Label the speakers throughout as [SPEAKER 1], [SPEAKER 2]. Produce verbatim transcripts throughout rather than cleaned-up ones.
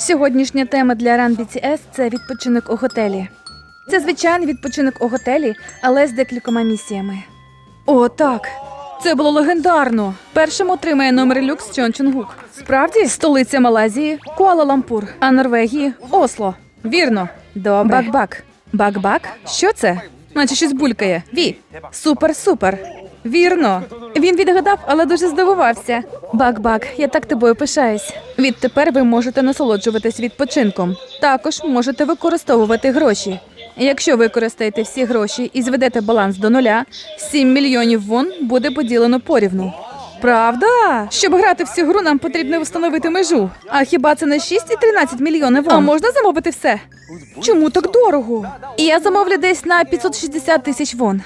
[SPEAKER 1] Сьогоднішня тема для Run бі ті ес – це відпочинок у готелі. Це звичайний відпочинок у готелі, але з декількома місіями. О, так! Це було легендарно! Першим отримає номер люкс Чон Чон Гук. Справді? Столиця Малайзії – Куала-Лумпур, а Норвегії – Осло. Вірно. Добре. Бак-бак. Бак-бак? Що це? Наче щось булькає. Ві. Супер-супер. Вірно. Він відгадав, але дуже здивувався. Бак-бак, я так тобою пишаюсь. Відтепер ви можете насолоджуватись відпочинком. Також можете використовувати гроші. Якщо використаєте всі гроші і зведете баланс до нуля, сім мільйонів вон буде поділено порівну. Правда? Щоб грати в цю гру, нам потрібно встановити межу. А хіба це не шість і тринадцять мільйонів вон? А можна замовити все? Чому так дорого? І я замовлю десь на п'ятсот шістдесят тисяч вон.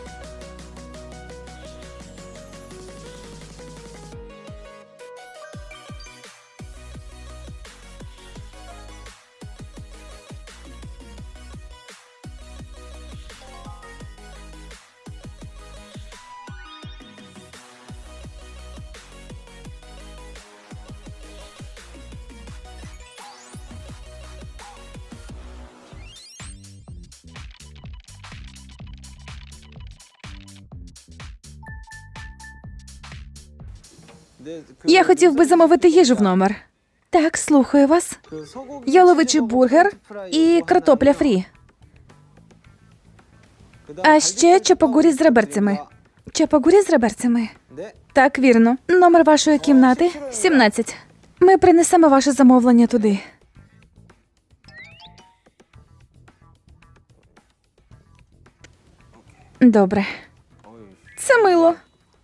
[SPEAKER 1] Я хотів би замовити їжу в номер. Так, слухаю вас. Яловичий бургер і картопля фрі. А ще чапагурі з реберцями. Чапагурі з реберцями. Так, вірно. Номер вашої кімнати – сімнадцять. Ми принесемо ваше замовлення туди. Добре. Це мило.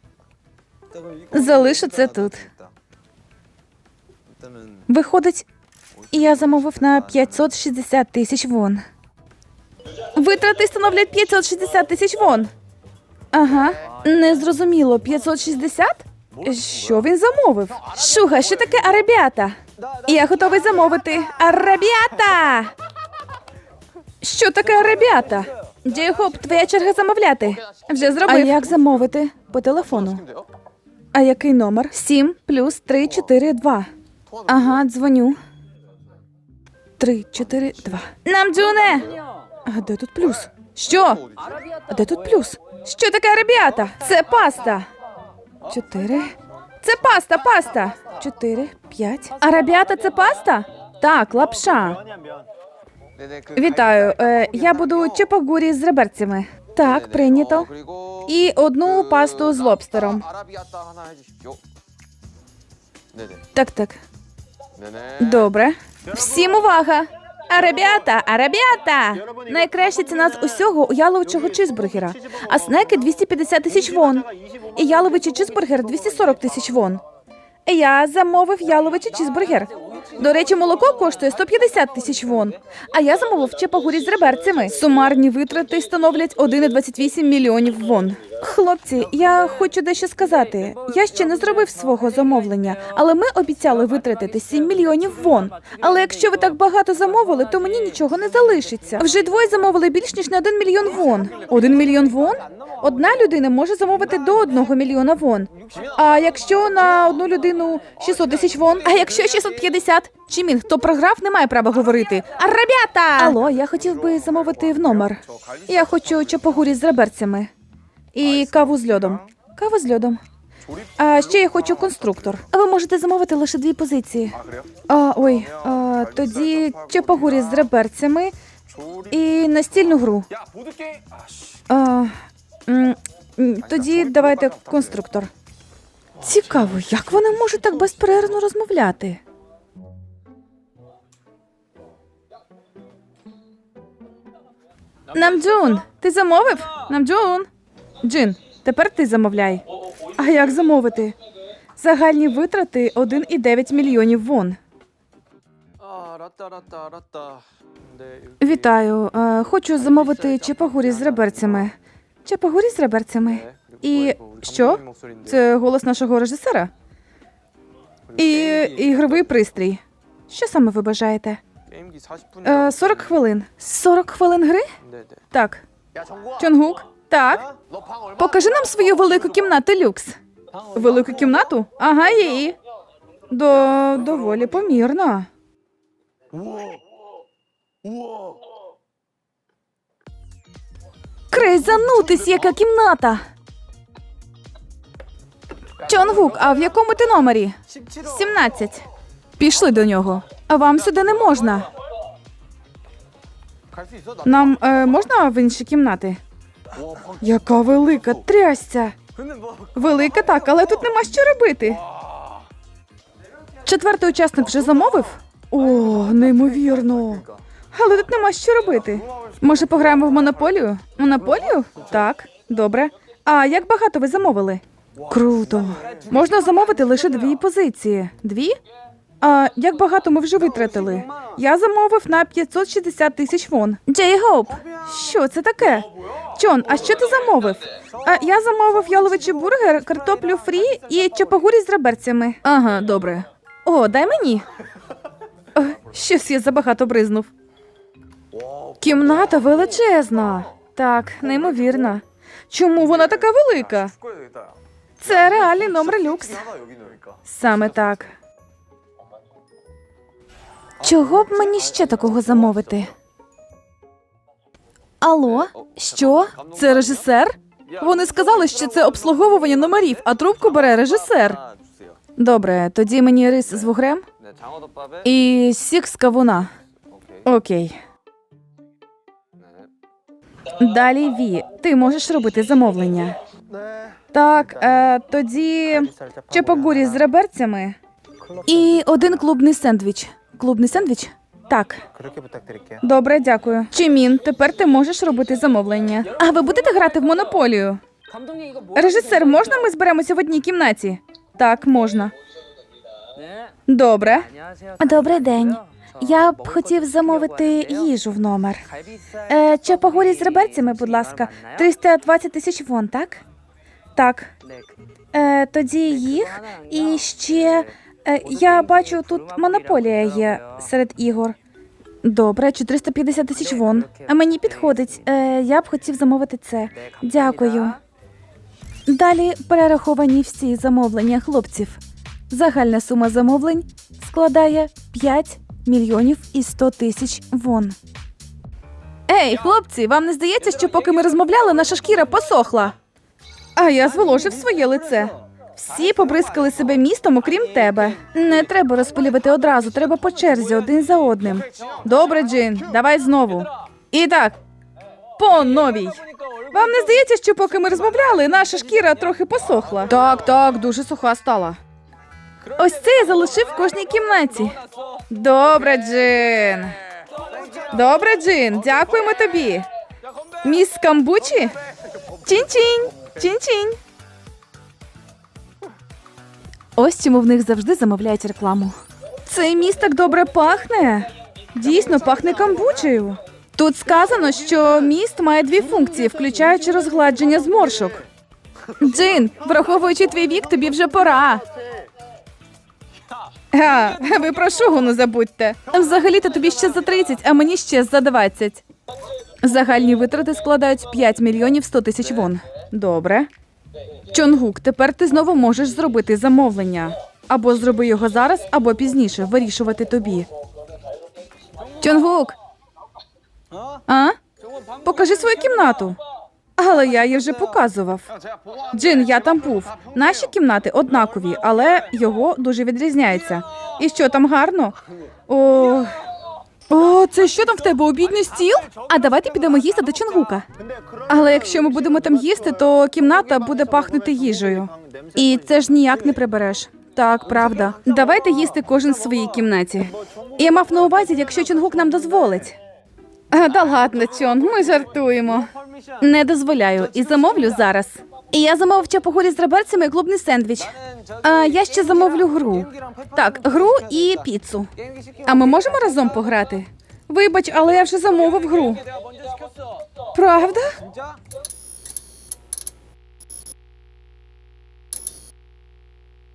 [SPEAKER 1] Залишу це тут. Виходить, я замовив на п'ятсот шістдесят тисяч вон. Витрати становлять п'ятсот шістдесят тисяч вон. Ага, незрозуміло, п'ятсот шістдесят? Що він замовив? Шуга, що таке арабіата? Я готовий замовити. Арабіата! Що таке арабіата? Джейхоп, твоя черга замовляти. Вже зробив. А як замовити? По телефону. А який номер? сім плюс три чотири два. Ага, дзвоню. три чотири два. Намджуне! А де тут плюс? Що? А де тут плюс? Що таке арабіата? Це паста. чотири. Це паста, паста. чотири, п'ять. Арабіата – це паста? Так, лапша. Вітаю. Е, я буду чапагурі з реберцями. Так, прийнято. І одну пасту з лобстером. Так, так. Добре. Всім увага! Арабіата, арабіата! Найкраща ціна з усього у яловичого чизбургера. А снеки двісті п'ятдесят тисяч вон. І яловичий чизбургер двісті сорок тисяч вон. Я замовив яловичий чизбургер. До речі, молоко коштує сто п'ятдесят тисяч вон. А я замовив чапагурі з реберцями. Сумарні витрати становлять один цілих двадцять вісім мільйонів вон. Хлопці, я хочу дещо сказати. Я ще не зробив свого замовлення, але ми обіцяли витратити сім мільйонів вон. Але якщо ви так багато замовили, то мені нічого не залишиться. Вже двоє замовили більш ніж на один мільйон вон. Один мільйон вон? Одна людина може замовити до одного мільйона вон. А якщо на одну людину шістсот тисяч вон? А якщо шістсот п'ятдесят? Чимін, хто програв, не має права говорити. Арабята! Алло, я хотів би замовити в номер. Я хочу чапагурі з реберцями. І каву з льодом. Каву з льодом. А ще я хочу конструктор. А ви можете замовити лише дві позиції. А, ой, а, тоді чапагурі з реберцями і настільну гру. А, м, тоді давайте конструктор. Цікаво, як вони можуть так безперервно розмовляти? Намджун, ти замовив? Намджун. Джин, тепер ти замовляй. А як замовити? Загальні витрати один цілих дев'ять мільйонів вон. Вітаю. Е, Хочу замовити чапагурі з реберцями. Чапагурі з реберцями. І що? Це голос нашого режисера? І ігровий пристрій. Що саме ви бажаєте? Е, сорок хвилин. сорок хвилин гри? Так. Чонгук? Так. Покажи нам свою велику кімнату люкс. Велику кімнату? Ага, її. До... доволі помірно. Крейзанутись, яка кімната! Чонгук, а в якому ти номері? сімнадцять. Пішли до нього. А вам сюди не можна. Нам е, можна в інші кімнати? Яка велика, трясця! Велика так, але тут нема що робити. Четвертий учасник вже замовив? О, неймовірно. Але тут нема що робити. Може, пограємо в монополію? Монополію? Так, добре. А як багато ви замовили? Круто. Можна замовити лише дві позиції. Дві? А як багато ми вже витратили? Я замовив на п'ятсот шістдесят тисяч вон. Джей Гоуп, що це таке? Чон, а що ти замовив? А я замовив яловичий бургер, картоплю фрі і чапагурі з реберцями. Ага, добре. О, дай мені. О, щось я забагато бризнув. Кімната величезна. Так, неймовірно. Чому вона така велика? Це реальний номер люкс. Саме так. Чого б мені ще такого замовити? Алло? Що? Це режисер? Вони сказали, що це обслуговування номерів, а трубку бере режисер. Добре, тоді мені рис з вугрем і сік з кавуна. Окей. Далі, Ві, ти можеш робити замовлення. Так, е, тоді чапагурі з реберцями і один клубний сендвіч. Клубний сендвіч? Так. Добре, дякую. Чимін, тепер ти можеш робити замовлення. А ви будете грати в монополію? Режисер, можна ми зберемося в одній кімнаті? Так, можна. Добре. Добрий день. Я б хотів замовити їжу в номер. Е, чапагурі з реберцями, будь ласка. триста двадцять тисяч вон, так? Так. Е, тоді їх і ще... Е, я бачу, тут монополія є серед ігор. Добре, чотириста п'ятдесят тисяч вон. А мені підходить. Е, я б хотів замовити це. Дякую. Далі перераховані всі замовлення хлопців. Загальна сума замовлень складає п'ять мільйонів і сто тисяч вон. Ей, хлопці, вам не здається, що поки ми розмовляли, наша шкіра посохла? А я зволожив своє лице. Всі побризкали себе містом, окрім тебе. Не треба розпилювати одразу, треба по черзі, один за одним. Добре, Джин, давай знову. І так, по новій. Вам не здається, що поки ми розмовляли, наша шкіра трохи посохла? Так, так, дуже суха стала. Ось це я залишив в кожній кімнаті. Добре, Джин. Добре, Джин, дякуємо тобі. Міс камбучі? Чинь-чинь, чинь-чинь. Ось чому в них завжди замовляють рекламу. Цей міст так добре пахне. Дійсно, пахне камбучею. Тут сказано, що міст має дві функції, включаючи розгладження зморшок. Джин, враховуючи твій вік, тобі вже пора. А, ви про шугуну забудьте. Взагалі-то тобі ще за тридцять, а мені ще за двадцять. Загальні витрати складають п'ять мільйонів сто тисяч вон. Добре. Чонгук, тепер ти знову можеш зробити замовлення. Або зроби його зараз, або пізніше. Вирішувати тобі. Чонгук! А? Покажи свою кімнату. Але я її вже показував. Джин, я там був. Наші кімнати однакові, але його дуже відрізняється. І що, там гарно? О, О, це що там в тебе, обідній стіл? А давайте підемо їсти до Чонгука. Але якщо ми будемо там їсти, то кімната буде пахнути їжею. І це ж ніяк не прибереш. Так, правда. Давайте їсти кожен в своїй кімнаті. Я мав на увазі, якщо Чонгук нам дозволить. А, да ладно, Чон, ми жартуємо. Не дозволяю. І замовлю зараз. І я замовив чапагурі з реберцями і клубний сендвіч. А я ще замовлю гру. Так, гру і піцу. А ми можемо разом пограти? Вибач, але я вже замовив гру. Правда?